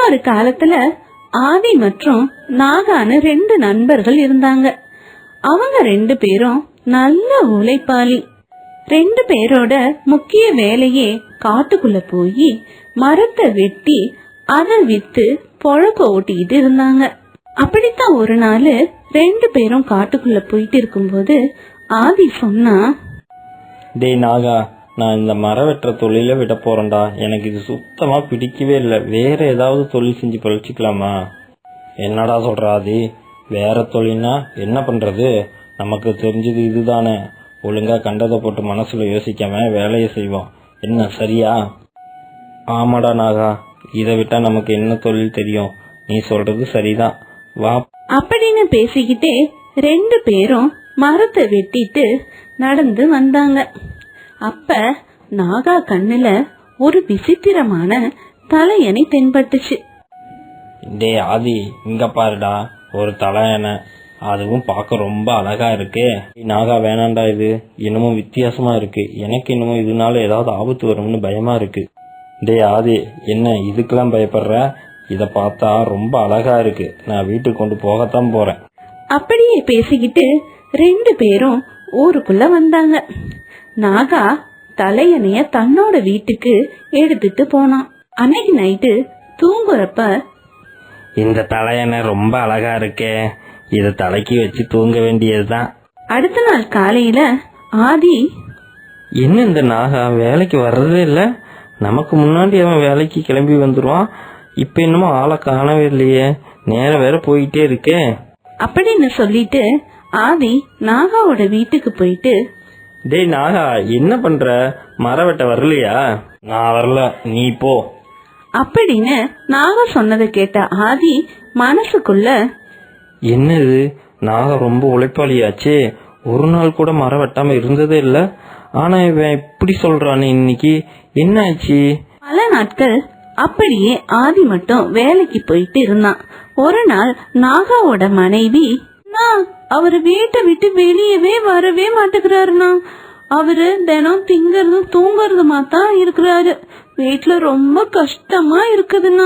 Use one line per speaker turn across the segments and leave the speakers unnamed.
இன்னொரு காலத்துல ஆதி மற்றும் நாகான்னு 2 நண்பர்கள் இருந்தாங்க. அவங்க 2 பேரும் நல்ல உழைப்பாளி. 2 பேரோட முக்கிய வேலையே காட்டுக்குள்ள போய் மரத்தை வெட்டி அதை வித்து பொழப்ப ஓட்டிக்கிட்டு இருந்தாங்க. அப்படித்தான் ஒரு நாள் 2 பேரும் காட்டுக்குள்ள போயிட்டு இருக்கும்போது ஆதி சொன்னா,
டேய் நாகா, நான் இந்த மரம் வெட்டுற தொழில விட போறேன்டா. எனக்கு இது சுத்தமா பிடிக்கவே இல்லை. வேற ஏதாவது தொழில் செஞ்சு பழிச்சுக்கலாமா? என்னடா சொல்ற ஆதி? வேற தொழில்னா என்ன பண்றது? நமக்கு தெரிஞ்சது இதுதானே. ஒழுங்கா கண்டதை போட்டு மனசுல யோசிக்காம வேலையை செய்வோம். என்ன சரியா? ஆமாடா நாகா, இதை விட்டா நமக்கு என்ன தொழில் தெரியும்? நீ சொல்றது சரிதான், வா
அப்படின்னு பேசிக்கிட்டே 2 பேரும் மரத்தை வெட்டிட்டு நடந்து வந்தாங்க. அப்ப நாகா கண்ணுல ஒரு விசித்திரமான தலையணை தென்பட்டுச்சு.
டே ஆதி, இங்க பாருடா, ஒரு தலையணை. அதுவும் பார்க்க ரொம்ப அழகா இருக்கு. நாகா வேணாண்டா, இது என்னமோ வித்தியாசமா இருக்கு. எனக்கு என்னமோ இதனால ஏதாவது ஆபத்து வரும்னு பயமா இருக்கு. டே ஆதி, என்ன இதுக்கெல்லாம் பயப்படுற? இத பார்த்தா ரொம்ப அழகா இருக்கு. நான் வீட்டுக்கு கொண்டு போகத்தான் போறேன்.
அப்படியே பேசிக்கிட்டு 2 பேரும் ஊருக்குள்ள வந்தாங்க. நாகா தலையணைய தன்னோட வீட்டுக்கு எடுத்துட்டு போனான். அன்னைக்கு நைட்டு தூங்குறப்ப,
இந்த தலையணை ரொம்ப அழகா இருக்கே, இத தலைக்கு வச்சு தூங்க வேண்டியதுதான்.
அடுத்த நாள் காலையில ஆதி,
என்ன இந்த நாகா வேலைக்கு வர்றதே இல்ல? நமக்கு முன்னாடி அவன் வேலைக்கு கிளம்பி வந்துருவான். இப்ப என்னமோ ஆளை காணவே இல்லையே, நேரம் வேற போயிட்டே இருக்கே
அப்படின்னு சொல்லிட்டு ஆதி நாகாவோட வீட்டுக்கு போயிட்டு,
டேய் நாகா, என்ன பண்ற? மரம் வெட்ட வரலையா? நான் வரல, நீ போ
அப்படின்னு நாகா சொன்னதை கேட்ட ஆதி மனசுக்குள்ள,
என்னது, நாகா ரொம்ப உழைப்பாளியாச்சே, ஒரு நாள் கூட மரம் வெட்டாம இருந்ததே இல்ல. ஆனா இவன் இப்படி சொல்றானே, இன்னைக்கு என்ன ஆச்சு?
பல நாட்கள் அப்படியே ஆதி மட்டும் வேலைக்கு போயிட்டு இருந்தான். ஒரு நாள் நாகாவோட மனைவி, அவரு வீட்டை விட்டு வெளியவே வரவே மாட்டேங்கிறாருண்ணா. அவரு தினம் திங்கறதும் தூங்கறதுமா தான் இருக்கிறாரு. வீட்டுல ரொம்ப கஷ்டமா இருக்குதுண்ணா.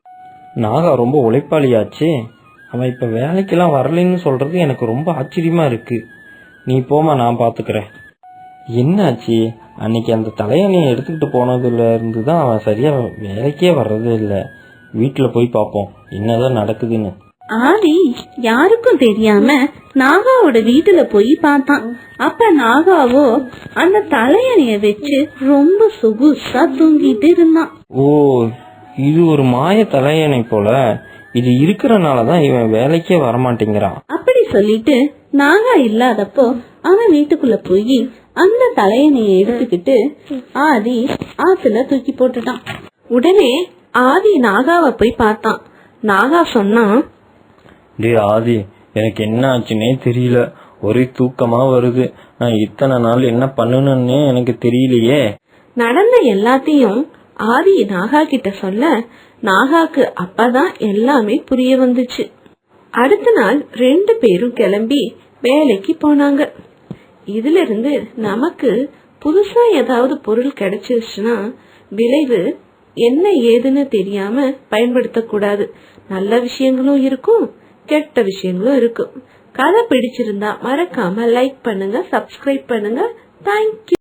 நாகா ரொம்ப உழைப்பாளியாச்சே, அவன் இப்ப வேலைக்கெல்லாம் வரலன்னு சொல்றது எனக்கு ரொம்ப ஆச்சரியமா இருக்கு. நீ போமா, நான் பாத்துக்கிறேன். என்னாச்சு? அன்னைக்கு அந்த தலையணையை எடுத்துக்கிட்டு போனதுல இருந்துதான் அவன் சரியா வேலைக்கே வர்றதே இல்ல. வீட்டுல போய் பாப்போம் என்னதான் நடக்குதுன்னு.
ஆதி யாருக்கும் தெரியாம நாகாவோட வீட்டுல போய் பார்த்தான். அப்ப நாகாவோ அந்த தலையணைய வச்சு ரொம்ப சொகுசா தூங்கிட்டு இருந்தான்.
ஓ, இது ஒரு மாய தலையணை போல. இது இருக்கிறனாலதான் இவன் வேலைக்கே வரமாட்டேங்கிறான்.
அப்படி சொல்லிட்டு நாகா இல்லாதப்போ அவன் வீட்டுக்குள்ள போய் அந்த தலையணையை எடுத்துக்கிட்டு ஆதி ஆத்துல தூக்கி போட்டுட்டான். உடனே ஆதி நாகாவை போய் பார்த்தான். நாகா சொன்னா,
டே ஆதி, எனக்கு என்ன ஆச்சுன்னே தெரியல. ஒரே தூக்கமா வருது. நான் இத்தனை நாள் என்ன பண்ணணும்னே எனக்கு தெரியலையே.
நடந்த எல்லாத்தையும் ஆதி நாகா கிட்ட சொல்ல, நாகாக்கு அப்பதான் எல்லாமே புரிய வந்துச்சு. அடுத்த நாள் 2 பேரும் கிளம்பி வேலைக்கு போனாங்க. இதுல இருந்து நமக்கு புதுசா ஏதாவது பொருள் கிடைச்சிருச்சுன்னா விளைவு என்ன ஏதுன்னு தெரியாம பயன்படுத்த கூடாது. நல்ல விஷயங்களும் இருக்கும், கெட்ட விஷயங்களும் இருக்கும். கதை பிடிச்சிருந்தா மறக்காம லைக் பண்ணுங்க, சப்ஸ்கிரைப் பண்ணுங்க. தேங்க்யூ.